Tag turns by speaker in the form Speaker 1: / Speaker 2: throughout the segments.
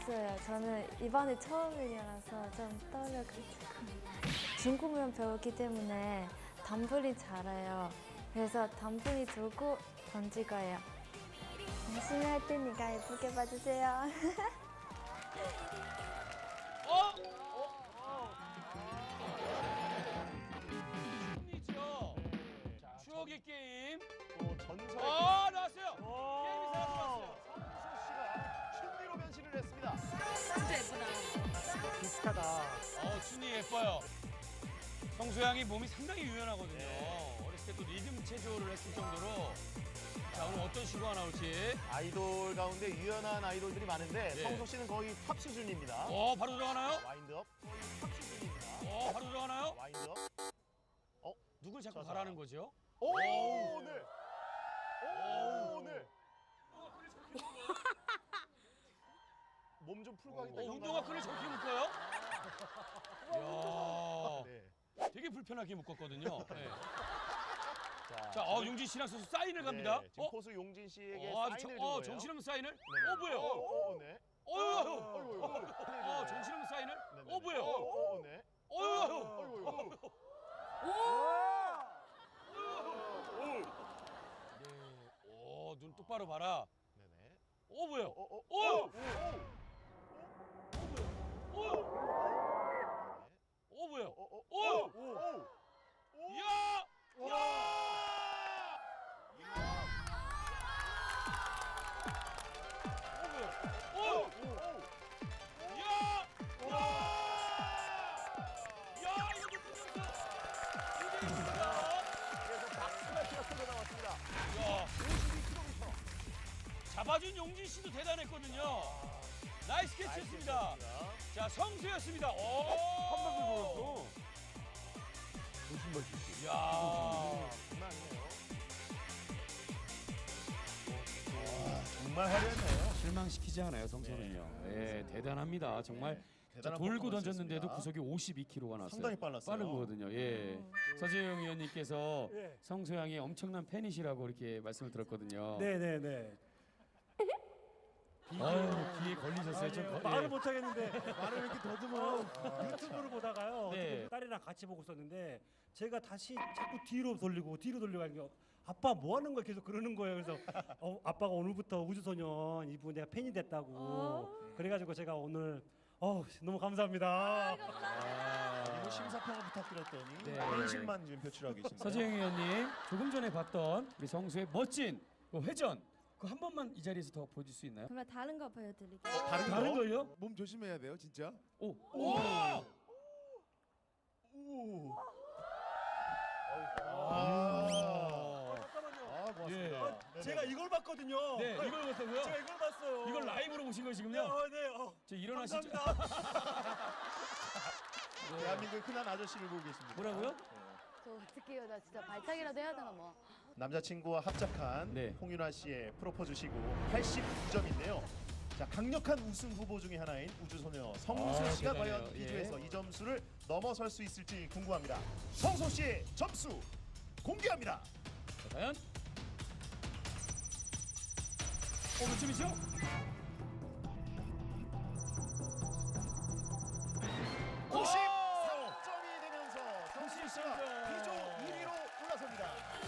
Speaker 1: 없어요. 저는 이번이 처음이라서 좀 떨려가지고. 중국면 배웠기 때문에 덤블링 잘해요. 그래서 덤블링 들고 던질 거예요. 열심히 할 테니까 예쁘게 봐주세요.
Speaker 2: 승리죠. 추억의 게임.
Speaker 3: 또 전설의
Speaker 2: 나왔어요. 게임이 사라졌어요.
Speaker 3: 성수 씨가 춘리로 변신을 했습니다.
Speaker 4: 진짜 예쁘다.
Speaker 3: 비슷하다.
Speaker 2: 춘이 예뻐요. 성수양이 몸이 상당히 유연하거든요. 어렸을 때 또 리듬 체조를 했을 정도로. 자, 오늘 어떤 시구가 나올지.
Speaker 3: 아이돌 가운데 유연한 아이돌들이 많은데
Speaker 2: 네.
Speaker 3: 성수 씨는 거의 탑 수준입니다.
Speaker 2: 바로 들어가나요?
Speaker 3: 와인드업 거의 탑 수준입니다.
Speaker 2: 바로 들어가나요?
Speaker 3: 와인드업.
Speaker 2: 누굴 자꾸
Speaker 3: 자.
Speaker 2: 가라는 거죠?
Speaker 3: 오, 네. 오, 네. 몸 좀 풀고 하겠다. 이런
Speaker 2: 운동화
Speaker 3: 거.
Speaker 2: 끈을 저렇게 묶어요? 이야,
Speaker 3: 네.
Speaker 2: 되게 불편하게 묶었거든요. 네.
Speaker 3: 자,
Speaker 2: 자, 용진 씨랑 선수 사인을 갑니다.
Speaker 3: 네, 지금 포수 용진 씨에게
Speaker 2: 아주
Speaker 3: 사인을 준 거예요.
Speaker 2: 정신없는 사인을?
Speaker 3: 네네.
Speaker 2: 뭐예요?
Speaker 3: 네.
Speaker 2: 정신없는 사인을?
Speaker 3: 네네네.
Speaker 2: 뭐예요?
Speaker 3: 네.
Speaker 2: 어휴. 눈 똑바로 봐라.
Speaker 3: 네네.
Speaker 2: 뭐예요? 뭐예요?
Speaker 3: 그래서 박스마치가 쏟아 나왔습니다.
Speaker 2: 야,
Speaker 3: 52km.
Speaker 2: 잡아준 용진 씨도 대단했거든요. 나이스 캐치였습니다. 자, 성수였습니다.
Speaker 5: 한방울 보였어. 조심할 수 있어.
Speaker 2: 야,
Speaker 3: 장난 아니네요. 정말 화려했네요.
Speaker 5: 실망시키지 않아요, 성소는요. 예, 대단합니다. 정말 자,
Speaker 3: 대단한
Speaker 5: 돌고
Speaker 3: 퍼포먼스였습니다.
Speaker 5: 던졌는데도 구속이 52km가 나왔어요.
Speaker 3: 상당히 빨랐어요.
Speaker 5: 빠른 거거든요. 예. 서재영 의원님께서
Speaker 6: 예.
Speaker 5: 성소양이 엄청난 팬이시라고 이렇게 말씀을 들었거든요.
Speaker 6: 네네네.
Speaker 5: 귀에 걸리셨어요. 좀
Speaker 6: 말을 못 하겠는데 말을 이렇게 더듬어 유튜브를 보다가요.
Speaker 5: 네.
Speaker 6: 어떻게 딸이랑 같이 보고 있었는데 제가 다시 자꾸 뒤로 돌리고 하니까 아빠 뭐 하는 거야 계속 그러는 거예요. 그래서 아빠가 오늘부터 우주소년 이분 내가 팬이 됐다고 그래가지고 제가 오늘 너무 감사합니다.
Speaker 3: 이거 심사평을 부탁드렸더니
Speaker 5: 네.
Speaker 3: 팬심만 지금 표출하고 계십니다.
Speaker 5: 서재영 의원님 조금 전에 봤던 우리 성수의 멋진 그 회전 그 한 번만 이 자리에서 더 보여줄 수 있나요?
Speaker 1: 그러면 다른 거 보여드릴게요.
Speaker 5: 다른 걸요?
Speaker 7: 몸 조심해야 돼요, 진짜.
Speaker 5: 오.
Speaker 6: 잠깐만요.
Speaker 3: 고맙습니다.
Speaker 6: 제가 이걸 봤거든요.
Speaker 5: 네, 이걸 봤다고요?
Speaker 6: 제가 이걸 봤어요.
Speaker 5: 이걸 라이브로 보신 거시군요?
Speaker 6: 네.
Speaker 5: 저 일어나시죠.
Speaker 6: 감사합니다.
Speaker 3: 대한민국의 흔한 아저씨를 보고 계십니다.
Speaker 5: 뭐라고요?
Speaker 4: 저 어떡해요. 나 진짜 발차기라도 해야 되나 뭐.
Speaker 3: 남자친구와 합작한
Speaker 5: 네.
Speaker 3: 홍윤아 씨의 프로포즈 시구 89점인데요. 자, 강력한 우승 후보 중에 하나인 우주소녀 성소 씨가
Speaker 5: 대단해요.
Speaker 3: 과연
Speaker 5: 예.
Speaker 3: 비주에서 이 점수를 넘어설 수 있을지 궁금합니다. 성소 씨의 점수 공개합니다.
Speaker 5: 자, 과연? 몇 점이죠?
Speaker 3: 오! 94점이 되면서 성소 씨가 비조 1위로 올라섭니다.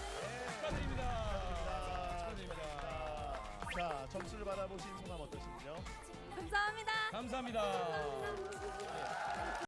Speaker 5: 축하드립니다.
Speaker 3: 자, 점수를 받아보신 소감 어떠신지요?
Speaker 1: 감사합니다.
Speaker 5: 감사합니다.